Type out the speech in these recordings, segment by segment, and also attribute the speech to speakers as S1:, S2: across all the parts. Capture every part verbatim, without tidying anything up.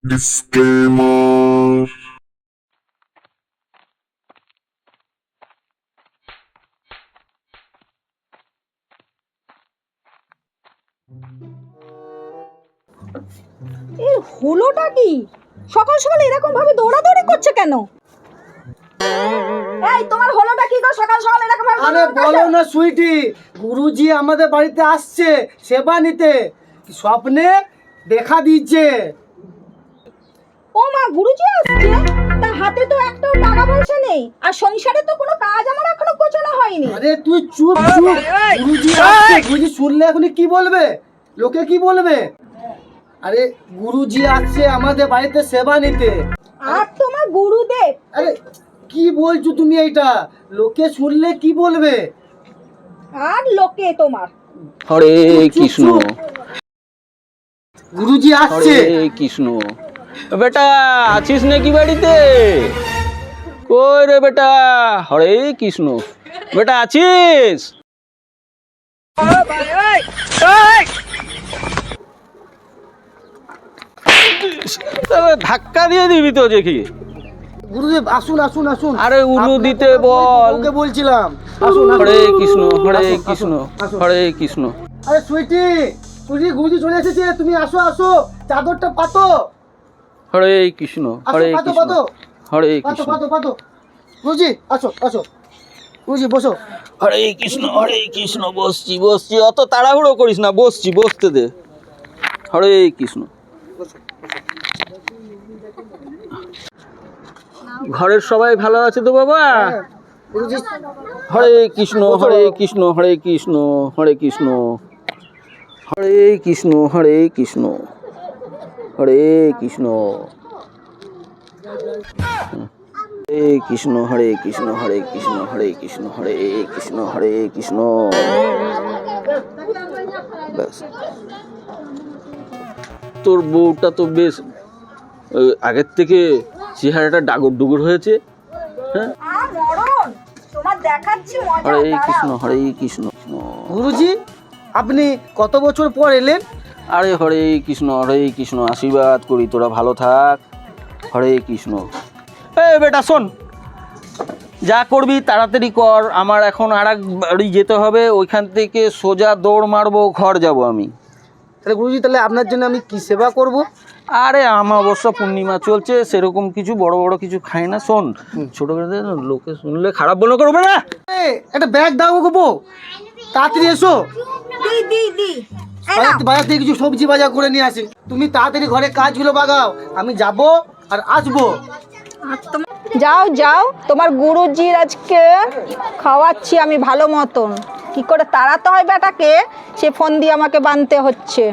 S1: Disclaimer.
S2: এই হলোটা কি? সকাল সকাল এরকম ভাবে দৌড়াদৌড়ি করছে কেন? এই তোমার হলোটা কি গো? সকাল সকাল এরকম ভাবে
S3: আরে বলো না সুইটি, গুরুজি আমাদের বাড়িতে আসছে সেবা নিতে, স্বপ্নে দেখা দিচ্ছে।
S2: ও মা, গুরুজি আসছে? তা হাতে তো একটাও টাকা পয়সা নেই, আর সংসারে তো কোনো কাজ আমার এখনো গোছানো হয়নি।
S3: আরে তুই চুপ চুপ, গুরুজি আসছে। গুরুজি শুনলে এখন কি বলবে, লোকে কি বলবে? আরে গুরুজি আসছে আমাদের বাড়িতে সেবা নিতে।
S2: আর তোমার গুরুদেব?
S3: আরে কি বলছো তুমি এইটা? লোকে শুনলে কি বলবে?
S2: আর লোকে তোমার?
S4: হরে কৃষ্ণ,
S3: গুরুজি আসছে।
S4: হরে কৃষ্ণ। বেটা আছিস নাকি বাড়িতে? কই রে বেটা? হরে কৃষ্ণ। বেটা আছিস? ধাক্কা দিয়ে দিবি তো দেখি।
S3: গুরুদেব আসুন আসুন আসুন।
S4: আরে উলু দিতে বল।
S3: ওকে বলছিলাম আসুন।
S4: হরে কৃষ্ণ, হরে
S3: আসুন,
S4: কৃষ্ণ,
S3: আসুন।
S4: হরে কৃষ্ণ।
S3: আরে সুইটি, সুইটি গুরুজি চলে এসেছে, তুমি আসো আসো, চাদরটা পাতো।
S4: হরে কৃষ্ণ,
S3: আসো,
S4: হরে
S3: পাতো,
S4: কৃষ্ণ,
S3: পাতো।
S4: হরে
S3: পাতো
S4: কৃষ্ণ,
S3: পাতো পাতো। গুরুজি আসো আসো, গুরুজি বসো।
S4: হরে কৃষ্ণ, হরে কৃষ্ণ। বসছি বসছি, অত তাড়াহুড়ো করিস না, বসছি, বসতে দে। হরে কৃষ্ণ। ঘরের সবাই ভালো আছে তো বাবা?
S3: গুরুজি
S4: হরে কৃষ্ণ, হরে কৃষ্ণ, হরে কৃষ্ণ, হরে কৃষ্ণ, হরে কৃষ্ণ, হরে কৃষ্ণ, হরে কৃষ্ণ, হরে কৃষ্ণ, হরে কৃষ্ণ, হরে কৃষ্ণ, হরে কৃষ্ণ, হরে কৃষ্ণ, হরে কৃষ্ণ। ব্যাস। তোর বউটা তো বেশ ওই আগের থেকে চেহারাটা ডাগর ডুগর হয়েছে। হ্যাঁ,
S2: আর মরণ, তোমার দেখাচ্ছি মজা।
S4: হরে
S2: দাঁড়াও।
S4: কৃষ্ণ, হরে কৃষ্ণ।
S3: গুরুজি আপনি কত বছর পর এলেন?
S4: আরে হরে কৃষ্ণ, হরে কৃষ্ণ। আশীর্বাদ করি তোরা ভালো থাক। হরে কৃষ্ণ। এ বেটা শোন, যা করবি তাড়াতাড়ি কর। আমার এখন আর এক বাড়ি যেতে হবে, ওইখান থেকে সোজা দৌড় মারবো, ঘর যাব আমি।
S3: তাহলে গুরুজি তাহলে আপনার জন্য আমি কি সেবা করব?
S4: আরে অমাবস্যা পূর্ণিমা চলছে, সেরকম কিছু বড় বড় কিছু খাই না। শোন, ছোট করে লোকে শুনলে খারাপ মনে করবে না?
S3: এ, একটা ব্যাগ দাও গো বউ, তাড়াতাড়ি এসো।
S2: দি দি দি এই
S3: বাজার
S2: নাও।
S3: থেকে- বাজার থেকে কিছু সবজি বাজার করে নিয়ে আসি। তুমি তাড়াতাড়ি ঘরে কাজগুলো বাগাও, আমি যাব আর আসবো।
S2: যাও যাও, তোমার গুরুজির আজকে খাওয়াচ্ছি আমি ভালো মতন। কি করে তাড়াতে হয় বেটাকে, সে ফোন দিয়ে আমাকে বানতে হচ্ছে।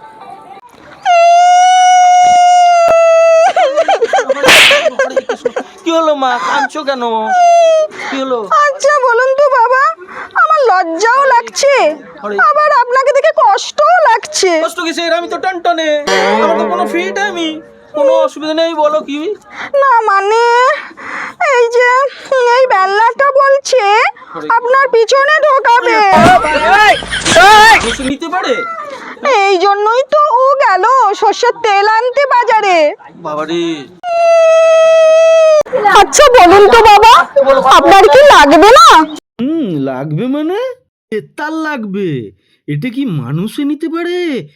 S4: কি হলো মা, কাঁদছো কেন? কি হলো?
S2: আচ্ছা বলুন তো বাবা, আমার লজ্জাও লাগছে, আবার আপনাকে দেখে কষ্টও লাগছে।
S4: কষ্ট কিসের? আমি তো টানটানে, আমার তো কোনো ফ্রি টাইমই, কোনো অসুবিধা নেই। বলো কি?
S2: না মানে এই যে এই বেল্লাটা বলছে আপনার পিছনে ঢোকাবে,
S4: মানুষ নিতে পারে?
S2: এই জন্যই তো ও গেল সর্ষের তেল আনতে বাজারে।
S4: বাবারে,
S2: আচ্ছা বলুন তো বাবা, আপনার কি লাগবে না?
S5: হুম, লাগবে মানে তার লাগবে। এটা কি মানুষে নিতে পারে?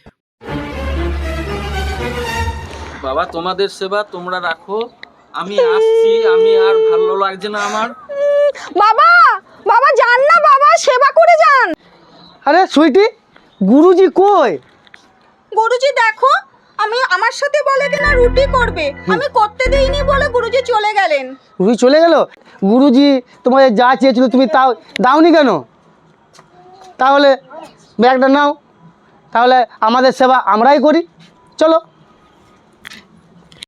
S4: বাবা তোমাদের সেবা তোমরা রাখো, আমি আসছি। আমি আর ভালো লাগছে না আমার।
S2: বাবা বাবা যান না বাবা, সেবা করে যান।
S3: আরে সুইটি, গুরুজি কই?
S2: গুরুজি দেখো, আমি আমার সাথে বলে কিনা রুটি করবে, আমি করতে দেইনি বলে গুরুজি চলে গেলেন।
S3: গুরুজি চলে গেল? গুরুজি তোমাদের যা চেয়েছিল তুমি তাও দাওনি কেন? তাহলে ব্যাগটা নাও, তাহলে আমাদের সেবা আমরাই করি, চলো।